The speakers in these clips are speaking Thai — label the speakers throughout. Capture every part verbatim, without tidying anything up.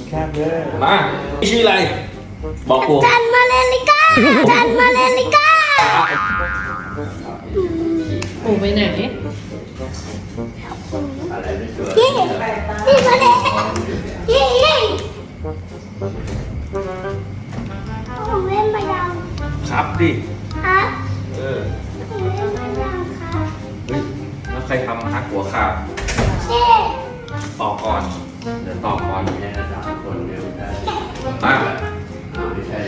Speaker 1: แคบเลย
Speaker 2: มาชื่ออะไรบอกกู
Speaker 3: จันมาเลลิก้าจันมาเลลิก้า
Speaker 4: ปู่ไปไหน
Speaker 3: ยี่ยี่มาเลยยี่ยี่ผมเล่นมายัง
Speaker 2: ครับดิ
Speaker 3: ครับ
Speaker 2: เออ
Speaker 3: ผมเล่นมายังครับ
Speaker 2: เฮ้ยแล้วใครทำฮักหัวขาด
Speaker 3: เจ๊
Speaker 2: ต่อก่อนเดี๋ยวต่อก่อน
Speaker 1: แค่สามคนเดียวได้
Speaker 2: มา
Speaker 1: ไม่ใช่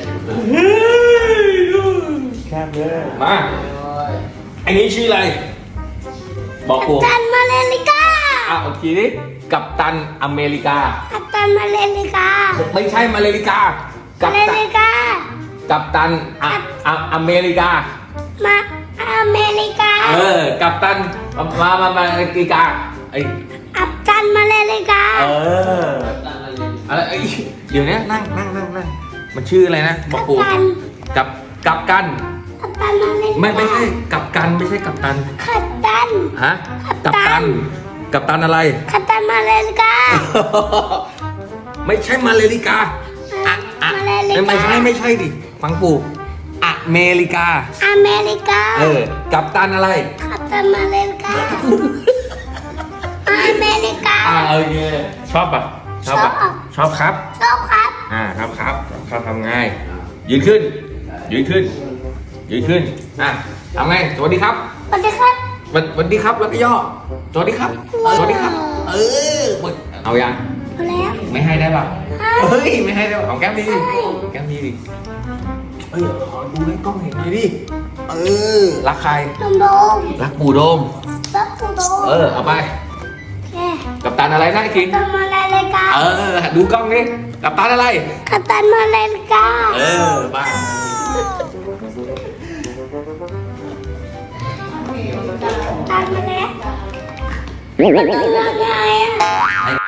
Speaker 1: แคบเลย
Speaker 2: มาไอ้นี้ชื่ออะไรบอกกู
Speaker 3: จันมาเลลิก้า
Speaker 2: อ่ะโอเคดิกัปตันอเมริกา
Speaker 3: จันมาเลลิก้า
Speaker 2: ไม่ใช่มาเลริกา
Speaker 3: มา
Speaker 2: กัป
Speaker 3: เล
Speaker 2: ตัน
Speaker 3: ลิก้า
Speaker 2: กัปตันอะอะอเมริกา
Speaker 3: มาอเมริกา
Speaker 2: เออ กัปตัน มา มา มาอเมริกาไอ
Speaker 3: อับจันมาเลลิกา
Speaker 2: เออ อะไรไอเดี๋ยวนี้นั่งนั่งนั่งนั่งมันชื่ออะไรนะ บอกปูกับ กับกัน
Speaker 3: อับจันมาเลลิกา
Speaker 2: ไม่ไม่ใช่ กับกัน ไม่ใช่กับตัน
Speaker 3: ขัดตัน
Speaker 2: ฮะ กับตัน กับตันอะไร
Speaker 3: ขัดตันมาเลลิกา
Speaker 2: ไม่ใช่มาเลริกาอะอะ
Speaker 3: มาเลริกา
Speaker 2: ไม่ใช่ไม่ใช่ดิ ฟังปู่อเมริกา
Speaker 3: อเมริกา
Speaker 2: เออ กับตันอะไร
Speaker 3: ขัดตันมาเลลิกาอเมริกา
Speaker 2: อ่าโอเคชอบปะชอบปะ
Speaker 3: ชอบ
Speaker 2: ชอบครับ
Speaker 3: ชอบครับ
Speaker 2: อ่าครับครับเขาทำง่ายยืนขึ้น ยืนขึ้น ยืนขึ้น อ่ะทำไงสวัสดีครับ
Speaker 3: สวัสดีครับ
Speaker 2: วันสวัสดีครับแล้วก็ย่อ สวัสดีครับ สวัสดีครับ เออเอายัง
Speaker 3: เอาแล้ว
Speaker 2: ไม่ให้ได้ป่ะ
Speaker 3: ให้
Speaker 2: เฮ้ย ไม่ให้ได้ป่ะของแก้มดีดิ
Speaker 3: ให้
Speaker 2: แก้มดีดิเอ้ยขอดูให้กล้องเห็นหน่อยดิ เออ รักใคร
Speaker 3: นมโดม
Speaker 2: รักปู่โดม
Speaker 3: รักปูโดม
Speaker 2: เออ เอาไป
Speaker 3: แค่
Speaker 2: กับตันอะไรนะไอ้คิง
Speaker 3: ขัดตันมาเลลิกา
Speaker 2: เออ ดูกล้องดิกับตันอะไร
Speaker 3: ขัดตันมาเลลิกา
Speaker 2: เออไป
Speaker 3: ตันมาแล้วมันเป็นยังไงอ่ะ